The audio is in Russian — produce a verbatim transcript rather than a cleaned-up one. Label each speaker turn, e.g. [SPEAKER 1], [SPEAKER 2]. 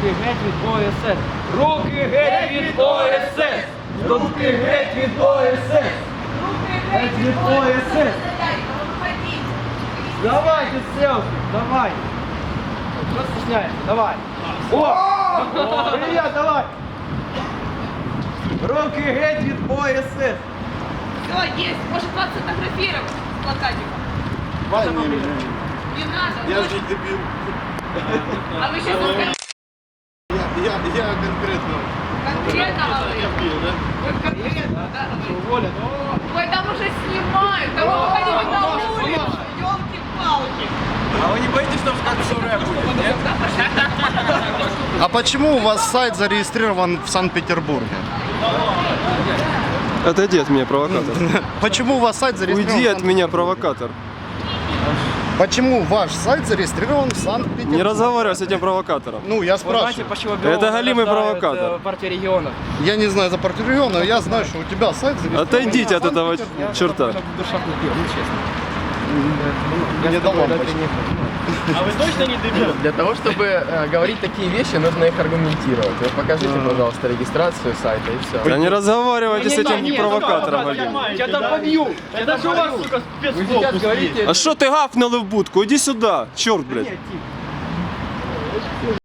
[SPEAKER 1] Руки геть від О С С. Руки геть від О С С. Руки геть від О С С. Геть від О С С. Давайте селфи, давай. Что стесняешься? Давай. О! Привет, давай. Руки геть від О С С.
[SPEAKER 2] Все, есть. Может вас сфотографировать с плакатиком.
[SPEAKER 3] Вань, не, не,
[SPEAKER 2] Не надо.
[SPEAKER 3] я же не дебил.
[SPEAKER 2] А вы сейчас
[SPEAKER 3] Я, я, я конкретно.
[SPEAKER 2] конкретного вы.
[SPEAKER 3] Я пил, да?
[SPEAKER 2] Вы конкретно, да?
[SPEAKER 1] Уволен.
[SPEAKER 2] Ой, там уже снимают. Там вы выходите на улицу. Ёлки-палки.
[SPEAKER 1] А вы не боитесь, что в конце рэп будет, нет?
[SPEAKER 3] А почему у вас сайт зарегистрирован в Санкт-Петербурге?
[SPEAKER 4] Отойди от меня, провокатор.
[SPEAKER 3] Почему у вас сайт зарегистрирован?
[SPEAKER 4] Уйди
[SPEAKER 3] в
[SPEAKER 4] от
[SPEAKER 3] Санкт-
[SPEAKER 4] меня, провокатор.
[SPEAKER 3] Почему ваш сайт зарегистрирован в Санкт-Петербурге?
[SPEAKER 4] Не разговаривай с этим провокатором.
[SPEAKER 3] Ну, я
[SPEAKER 1] Вы знаете,
[SPEAKER 3] спрашиваю.
[SPEAKER 1] почему
[SPEAKER 4] Это голимый
[SPEAKER 1] награждают,
[SPEAKER 4] провокатор.
[SPEAKER 1] э, партия регионов?
[SPEAKER 3] Я не знаю за партию региона, но я знаю, что у тебя сайт зарегистрирован.
[SPEAKER 4] Отойдите
[SPEAKER 3] в
[SPEAKER 4] от этого
[SPEAKER 3] Санкт-Петербурге.
[SPEAKER 4] черта.
[SPEAKER 1] Душа купил, ну честно.
[SPEAKER 3] Не до лампочки.
[SPEAKER 1] А вы точно не дебил?
[SPEAKER 5] Для того, чтобы э, говорить такие вещи, нужно их аргументировать. Вот покажите, пожалуйста, регистрацию сайта и все.
[SPEAKER 4] Да не разговаривайте с этим
[SPEAKER 1] Нет,
[SPEAKER 4] провокатором.
[SPEAKER 1] нет,
[SPEAKER 4] голимым.
[SPEAKER 1] Я там побью. Я даже у вас, сука,
[SPEAKER 5] Вы сейчас говорите...
[SPEAKER 4] А что ты гавкнул в будку? Иди сюда, черт, блядь.
[SPEAKER 1] Нет, тихо.